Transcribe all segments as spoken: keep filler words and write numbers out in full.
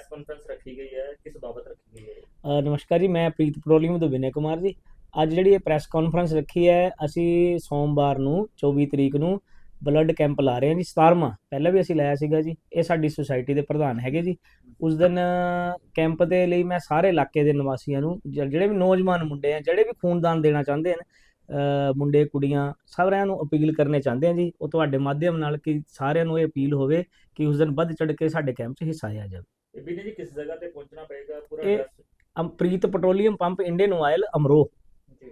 Conference रखी गई है, किस बाबत रखी गई है? ਅ, ਨਮਸਕਾਰ ਜੀ, ਮੈਂ ਪ੍ਰੀਤ ਪੈਟਰੋਲੀਅਮ ਤੋਂ ਵਿਨय ਕੁਮਾਰ ਜੀ। ਅੱਜ ਜਿਹੜੀ ਇਹ ਪ੍ਰੈਸ ਕਾਨਫਰੰਸ ਰੱਖੀ ਹੈ, ਅਸੀਂ ਸੋਮਵਾਰ ਨੂੰ ਚੌਵੀ ਤਰੀਕ ਨੂੰ ਬਲੱਡ ਕੈਂਪ ਲਾ ਰਹੇ ਹਾਂ ਜੀ, ਸਤਾਰਵਾਂ। ਪਹਿਲਾਂ ਵੀ ਅਸੀਂ ਲਾਇਆ ਸੀਗਾ ਜੀ। ਇਹ ਸਾਡੀ ਸੁਸਾਇਟੀ ਦੇ ਪ੍ਰਧਾਨ ਹੈਗੇ ਜੀ। ਉਸ ਦਿਨ ਕੈਂਪ ਦੇ ਲਈ ਮੈਂ ਸਾਰੇ ਇਲਾਕੇ ਦੇ ਨਿਵਾਸੀਆਂ ਨੂੰ, ਜ- ਜਿਹੜੇ ਵੀ ਨੌਜਵਾਨ ਮੁੰਡੇ ਆ, ਜਿਹੜੇ ਵੀ ਖੂਨਦਾਨ ਦੇਣਾ ਚਾਹੁੰਦੇ ਹਨ, ਅ, ਮੁੰਡੇ ਕੁੜੀਆਂ ਸਾਰਿਆਂ ਨੂੰ ਅਪੀਲ ਕਰਨੇ ਚਾਹੁੰਦੇ ਹਾਂ ਜੀ, ਉਹ ਤੁਹਾਡੇ ਮਾਧਿਅਮ ਨਾਲ, ਕਿ ਸਾਰਿਆਂ ਨੂੰ ਇਹ ਅਪੀਲ ਹੋਵੇ ਕਿ ਉਸ ਦਿਨ ਵੱਧ ਚੜ੍ਹ ਕੇ ਸਾਡੇ ਕੈਂਪ 'ਚ ਹਿੱਸਾ ਲਿਆ ਜਾਵੇ। ये विनय जी, किस जगह पे पहुंचना पड़ेगा, पूरा ये address? Um Preet petroleum pump Indian oil Amroh. जी,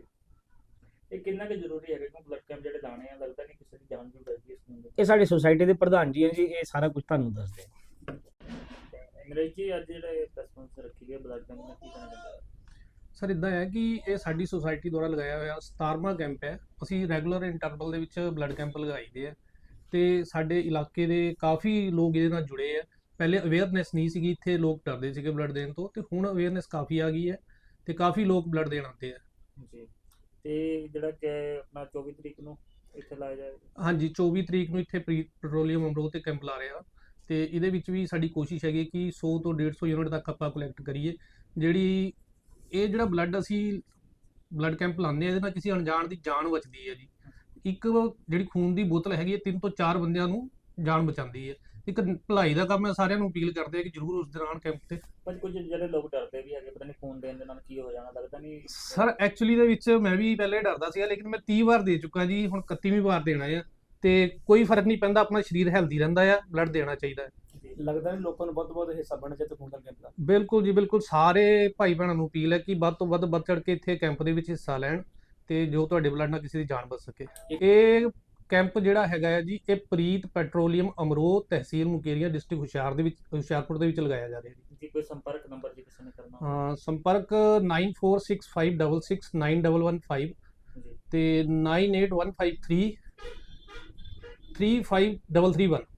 ये कितना के जरूरी है कि ब्लड कैंप ਜਿਹੜੇ ਲਾਣੇ ਆ, ਲੱਗਦਾ ਨਹੀਂ ਕਿਸੇ ਦੀ ਜਾਨ ਵੀ ਬਚਦੀ ਇਸ ਨੂੰ। ਇਹ ਸਾਡੇ ਸੁਸਾਇਟੀ ਦੇ ਪ੍ਰਧਾਨ ਜੀ ਹੈ ਜੀ, ਇਹ ਸਾਰਾ ਕੁਝ ਤੁਹਾਨੂੰ ਦੱਸਦੇ ਆ। ਅੰਗਰੇਜ਼ ਜੀ, ਅੱਜ ਜਿਹੜੇ ਪ੍ਰੈਸ ਕਾਨਫਰੰਸ ਰੱਖੀ ਗਈ ਬਲੱਡ ਕੈਂਪ ਨਾਲ, ਕੀ ਕਹਿਣਾ ਚਾਹੁੰਦੇ ਹੋ? ਸਰ ਇਦਾਂ ਹੈ ਕਿ ਇਹ ਸਾਡੀ ਸੁਸਾਇਟੀ ਦੁਆਰਾ ਲਗਾਇਆ ਹੋਇਆ ਸਤਾਰਵਾਂ ਕੈਂਪ ਹੈ। ਅਸੀਂ ਰੈਗੂਲਰ ਇੰਟਰਵਲ ਦੇ ਵਿੱਚ ਬਲੱਡ ਕੈਂਪ ਲਗਾਈਦੇ ਆ ਤੇ ਸਾਡੇ ਇਲਾਕੇ ਦੇ ਕਾਫੀ ਲੋਕ ਇਹਦੇ ਨਾਲ ਜੁੜੇ ਆ। ਪਹਿਲੇ ਅਵੇਅਰਨੈਸ ਨਹੀਂ ਸੀਗੀ, ਇੱਥੇ ਲੋਕ ਡਰਦੇ ਸੀਗੇ ਬਲੱਡ ਦੇਣ ਤੋਂ, ਤੇ ਹੁਣ ਅਵੇਅਰਨੈਸ ਕਾਫੀ ਆ ਗਈ ਹੈ ਤੇ ਕਾਫੀ ਲੋਕ ਬਲੱਡ ਦੇਣ ਆਉਂਦੇ ਆ। ਜੀ, ਤੇ ਜਿਹੜਾ ਕਿ ਆਪਣਾ ਚੌਵੀ ਤਰੀਕ ਨੂੰ ਇੱਥੇ ਲਾਇਆ ਜਾਏਗਾ। ਹਾਂਜੀ, ਚੌਵੀ ਤਰੀਕ ਨੂੰ ਇੱਥੇ ਪ੍ਰੀਤ ਪੈਟਰੋਲੀਅਮ ਅਮਰੋਹ ਤੇ ਕੈਂਪ ਲਾ ਰਹੇ ਆ ਤੇ ਇਹਦੇ ਵਿੱਚ ਵੀ ਸਾਡੀ ਕੋਸ਼ਿਸ਼ ਹੈਗੀ ਕਿ ਸੌ ਤੋਂ ਡੇਢ ਸੌ ਯੂਨਿਟ ਤੱਕ ਆਪਾਂ ਕਲੈਕਟ ਕਰੀਏ। ਜਿਹੜੀ ਇਹ ਜਿਹੜਾ ਬਲੱਡ ਅਸੀਂ ਬਲੱਡ ਕੈਂਪ ਲਾਉਂਦੇ ਆ, ਇਹਦੇ ਨਾਲ ਕਿਸੇ ਅਣਜਾਣ ਦੀ ਜਾਨ ਬਚਦੀ ਹੈ ਜੀ। ਇੱਕ ਜਿਹੜੀ ਖੂਨ ਦੀ ਬੋਤਲ ਹੈਗੀ ਹੈ, ਤਿੰਨ ਤੋਂ ਚਾਰ ਬੰਦਿਆਂ ਨੂੰ ਜਾਨ ਬਚਾਉਂਦੀ ਹੈ। ਇੱਕ ਭਲਾਈ ਦਾ ਕੰਮ ਹੈ, ਸਾਰਿਆਂ ਨੂੰ ਅਪੀਲ ਕਰਦੇ ਆ ਕਿ ਜ਼ਰੂਰ ਉਸ ਦੌਰਾਨ ਕੈਂਪ ਤੇ। ਪਰ ਕੁਝ ਜਿਹੜੇ ਲੋਕ ਡਰਦੇ ਵੀ ਹੈਗੇ, ਪਤਾ ਨਹੀਂ ਖੂਨ ਦੇਣ ਦੇ ਨਾਲ ਕੀ ਹੋ ਜਾਣਾ, ਲੱਗਦਾ ਨਹੀਂ। ਸਰ ਐਕਚੁਅਲੀ ਦੇ ਵਿੱਚ ਮੈਂ ਵੀ ਪਹਿਲੇ ਡਰਦਾ ਸੀਗਾ, ਲੇਕਿਨ ਮੈਂ ਤੀਹ ਵਾਰ ਦੇ ਚੁੱਕਾ ਜੀ, ਹੁਣ ਇਕੱਤੀਵੀਂ ਵਾਰ ਦੇਣਾ ਆ ਤੇ ਕੋਈ ਫਰਕ ਨਹੀਂ ਪੈਂਦਾ, ਆਪਣਾ ਸਰੀਰ ਹੈਲਦੀ ਰਹਿੰਦਾ ਆ, ਬਲੱਡ ਦੇਣਾ ਚਾਹੀਦਾ ਹੈ। ਲੱਗਦਾ ਨਹੀਂ ਲੋਕਾਂ ਨੂੰ ਵੱਧ ਤੋਂ ਵੱਧ ਹਿੱਸਾ ਬਣਨਾ ਚਾਹੀਦਾ ਖੂਨਦਾਨ ਕੈਂਪ ਦਾ। ਬਿਲਕੁਲ ਜੀ, ਬਿਲਕੁਲ ਸਾਰੇ ਭਾਈ ਭੈਣਾਂ ਨੂੰ ਅਪੀਲ ਹੈ ਕਿ ਵੱਧ ਤੋਂ ਵੱਧ ਵੱਧ ਚੜ ਕੇ ਇੱਥੇ ਕੈਂਪ ਦੇ ਵਿੱਚ ਹਿੱਸਾ ਲੈਣ ਤੇ ਜੋ ਤੁਹਾਡੇ ਬਲੱਡ ਨਾਲ ਕਿਸੇ ਦੀ ਜਾਨ ਬਚ ਸਕੇ। ਇਹ ਕੈਂਪ ਜਿਹੜਾ ਹੈਗਾ ਹੈ ਜੀ, ਇਹ ਪ੍ਰੀਤ ਪੈਟਰੋਲੀਅਮ ਅਮਰੋਹ, ਤਹਿਸੀਲ ਮੁਕੇਰੀਆਂ, ਡਿਸਟ੍ਰਿਕਟ ਹੁਸ਼ਿਆਰ ਦੇ ਵਿੱਚ ਹੁਸ਼ਿਆਰਪੁਰ ਦੇ ਵਿੱਚ ਲਗਾਇਆ ਜਾ ਰਿਹਾ ਜੀ। ਜੀ, ਕੋਈ ਸੰਪਰਕ ਨੰਬਰ ਜੀ ਕਿਸੇ ਨੇ ਕਰਨਾ ਹੋਵੇ? ਹਾਂ, ਸੰਪਰਕ nine four six five six six nine one one five ਜੀ, ਤੇ nine eight one five three three five three three one.